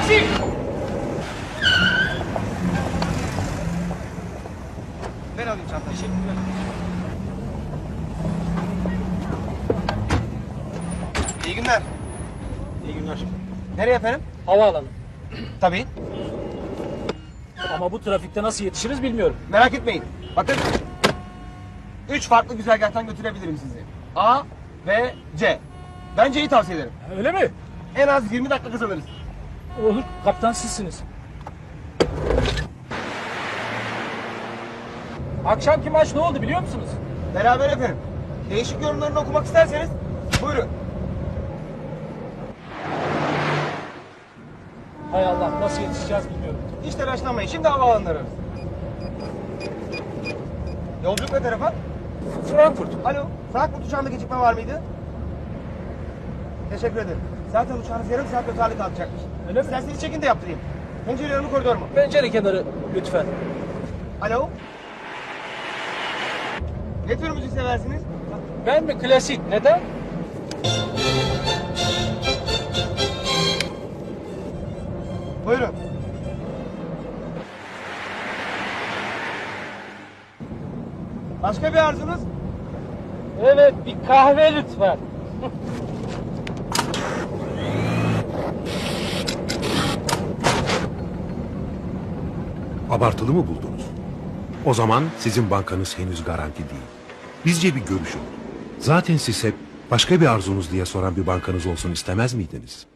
Taksi! Ben alayım çantayı. Teşekkürler. İyi günler. İyi günler. Nereye efendim? Havaalanı. Tabii. Ama bu trafikte nasıl yetişiriz bilmiyorum. Merak etmeyin. Bakın. 3 farklı güzergahtan götürebilirim sizi. A, B, C. Ben C'yi tavsiye ederim. Öyle mi? En az 20 dakika kazanırız. Olur. Kaptan sizsiniz. Akşamki maç ne oldu biliyor musunuz? Beraber efendim. Değişik yorumlarını okumak isterseniz buyurun. Hay Allah, nasıl yetişeceğiz bilmiyorum. Hiç telaşlanmayın. Şimdi havaalanını ararız. Yolculuk ne tarafa? Frankfurt. Alo. Frankfurt uçağında gecikme var mıydı? Teşekkür ederim. Zaten uçağınız yarım saat öterli kalkacakmış. Öyle mi? İsterseniz check-in de yaptırayım. Pencere yanı koridor mu? Pencere kenarı lütfen. Alo. Ne tür müzik seversiniz? Ben mi klasik? Neden? Buyurun. Başka bir arzunuz? Evet, bir kahve lütfen. Abartılı mı buldunuz? O zaman sizin bankanız henüz garanti değil. Bizce bir görüşün. Zaten siz hep başka bir arzunuz diye soran bir bankanız olsun istemez miydiniz?